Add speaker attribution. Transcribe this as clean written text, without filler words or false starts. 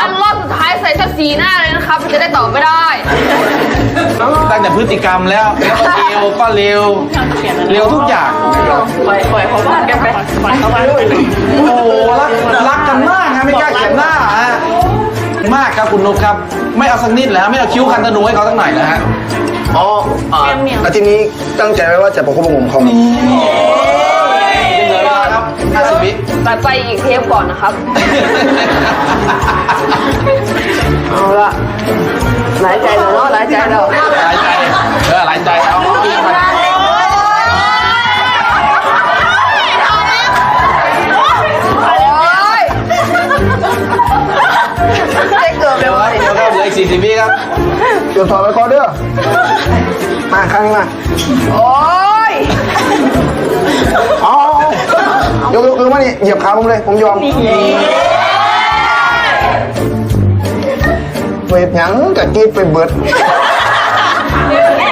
Speaker 1: ครับรอบสุดท้ายใส่สักสีหน้าเลยนะครับจะได้ตอบไม่ได้
Speaker 2: ตั้งแต่พฤติกรรมแล้วก็เร็วก็เร็วเร็วทุกอย่าง
Speaker 1: ปล่อยเขาบ้านกันไปปล่อยเขาบ้านไป
Speaker 2: โอ้โหรักกันมากนะไม่กล้าเขียนหน้าฮะมากครับคุณนุ๊กครับไม่เอาสักนิดเลยฮะไม่เอาคิ้วคันธนูให้เขาสักหน่อยนะฮะ
Speaker 3: อ๋ออาทิตย์นี้ตั้งใจไว้ว่าจะประคบประหงมเขา
Speaker 2: ยังเหลือเวลาครับ50 วิ
Speaker 1: ตัดไปอีกเทปก่อนนะครับ เอาละหลายใจแล้วเนาะหลายใจแล้ว
Speaker 2: หลายใจหลายใจเอาพี่มา
Speaker 1: โอ้ยได้เกือบ
Speaker 2: เดี๋
Speaker 1: เลย
Speaker 2: ยวครับเหลืออีก40 วิครับ
Speaker 3: เดี๋ยวถอดไปคอเด้อมาข้างนี้มา
Speaker 1: โอ้ย
Speaker 3: เอายกมานี่เหยียบขาผมเลยผมยอมเวทหยังกับกีดไปเบิด